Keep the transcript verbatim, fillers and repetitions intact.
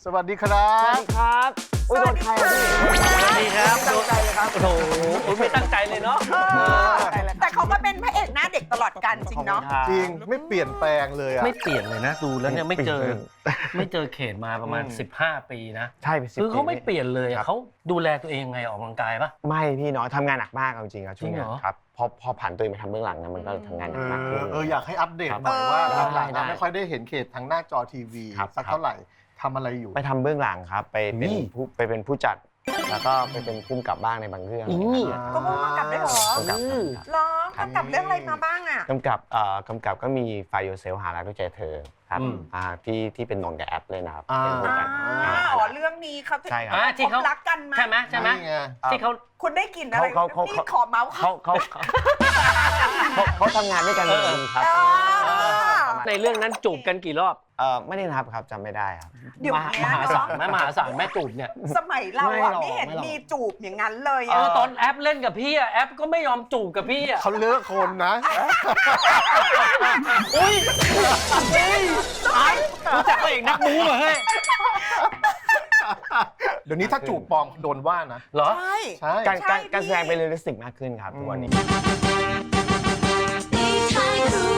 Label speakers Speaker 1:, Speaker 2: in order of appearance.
Speaker 1: สวัสดีครับ
Speaker 2: สวัสดีครับอุ้ยโดนใครอ่ะพี่
Speaker 3: สวัสดีครับ
Speaker 2: ตั้งใจเลยครับ
Speaker 3: โอ้โหไม่ตั้งใจเลยเนาะ
Speaker 4: แต่เขาก็เป็นพระเอกหน้าเด็กตลอดกันจริงเนาะ
Speaker 1: จริงไม่เปลี่ยนแปลงเลยอะ
Speaker 3: ไม่เปลี่ยนเลยนะดูแล้วเนี่ยไม่เจอไม่เจอเขตมาประมาณ
Speaker 1: อืม
Speaker 3: สิบห้า ปีนะ
Speaker 2: ใช่ไปสิบ
Speaker 3: คือเขาไม่
Speaker 2: ปี
Speaker 3: เปลี่ยนเลย
Speaker 2: ครั
Speaker 3: อะ
Speaker 2: บ
Speaker 3: เขาดูแลตัวเองยังไงออกกำลังกายปะ
Speaker 2: ไม่พี่น้อยทำงานหนักมากเอาจริงครับช่วง
Speaker 3: จริ
Speaker 2: นี้
Speaker 3: งเหรอ
Speaker 2: ครับพอพอผ่านตัวเองมาทำเบื้องหลังนะมันก็ทำงานห
Speaker 1: เอ
Speaker 2: นักมากขึ้น
Speaker 1: อเอออยากให้อัปเดต
Speaker 2: ครับ
Speaker 1: หน่อยว่า
Speaker 2: ได้
Speaker 1: หลังๆ
Speaker 2: ได้
Speaker 1: อะไม่ค่อยได้เห็นเขตทางหน้าจอทีวี
Speaker 2: ครับ
Speaker 1: สัก
Speaker 2: ครับ
Speaker 1: เท่าไหร่ทำอะไรอยู่
Speaker 2: ไปทำเบื้องหลังครับไปเป็น
Speaker 1: นี่
Speaker 2: ผู้ไปเป็นผู้จัด แล้วก็ไปเป็นผู้กำกับบ้างในบางเรื่องอะไรอย่างเงี้ย
Speaker 4: ก็พุ่งกำกับได้เหรอ
Speaker 2: กำกับครับ
Speaker 4: ร้องกำกับเรื่องอะไรมาบ้างอ่ะ
Speaker 2: กำกับเอ่อกำกับก็มีไฟโยเซลหารักด้วยใจเธอครับ
Speaker 1: อืม
Speaker 2: อ่าที่ที่เป็นนนท์กับแอปเลยนะครับ
Speaker 1: อ่า
Speaker 2: เป็นผู้
Speaker 4: อ่า
Speaker 2: กัน
Speaker 4: อ๋อเรื่องนี้เขา
Speaker 2: ใช่ครับ
Speaker 3: อ่าที่เขา
Speaker 4: รักกันมา
Speaker 3: ใช่ไหมใช่ไหม
Speaker 1: นี่ไง
Speaker 3: ที่เขา
Speaker 4: คุณได้กลินอะไร
Speaker 2: เขาเขา
Speaker 4: นี่
Speaker 2: เขา
Speaker 4: ขอเมาส์
Speaker 2: เขาเขาเขาเขาเขาทำงานด้วยกันจริงๆครับ
Speaker 4: อ่า
Speaker 3: ในเรื่องนั้นจูบกันกี่รอบ
Speaker 2: เออไม่ได้นับครับจำไม่ได้ครับ
Speaker 4: เดี๋ยว
Speaker 3: มหา
Speaker 4: เนี้
Speaker 3: ม
Speaker 4: ย
Speaker 3: หาศาล
Speaker 4: เนาะ
Speaker 3: ไหมมหาศาลแม่จูบเนี่ย
Speaker 4: สมัยเรา
Speaker 2: ไม่
Speaker 4: อะ
Speaker 2: หรอก
Speaker 4: ไม่เห็น
Speaker 2: ไม่หรอก
Speaker 4: มีจูบอย่างนั้นเลย
Speaker 3: เอ
Speaker 4: อะ
Speaker 3: อตอนแอปเล่นกับพี่อะแอปก็ไม่ยอมจูบกับพี่อะ
Speaker 1: เขาเลิกคนนะ
Speaker 3: อุ้ยเฮ้ยไอ้รู้จักพระเอกนักบู๊เหรอเฮ้ย
Speaker 1: เดี๋ยวนี้ถ้าจูบปลอมโดนว่านะ
Speaker 3: เหรอ
Speaker 4: ใช่
Speaker 1: ใช่
Speaker 2: การการ
Speaker 4: ใช่
Speaker 2: การแสดง
Speaker 4: พี่
Speaker 2: เป็นเรียลลิสติกมากขึ้นครับทุกวันนี้
Speaker 5: 你太酷。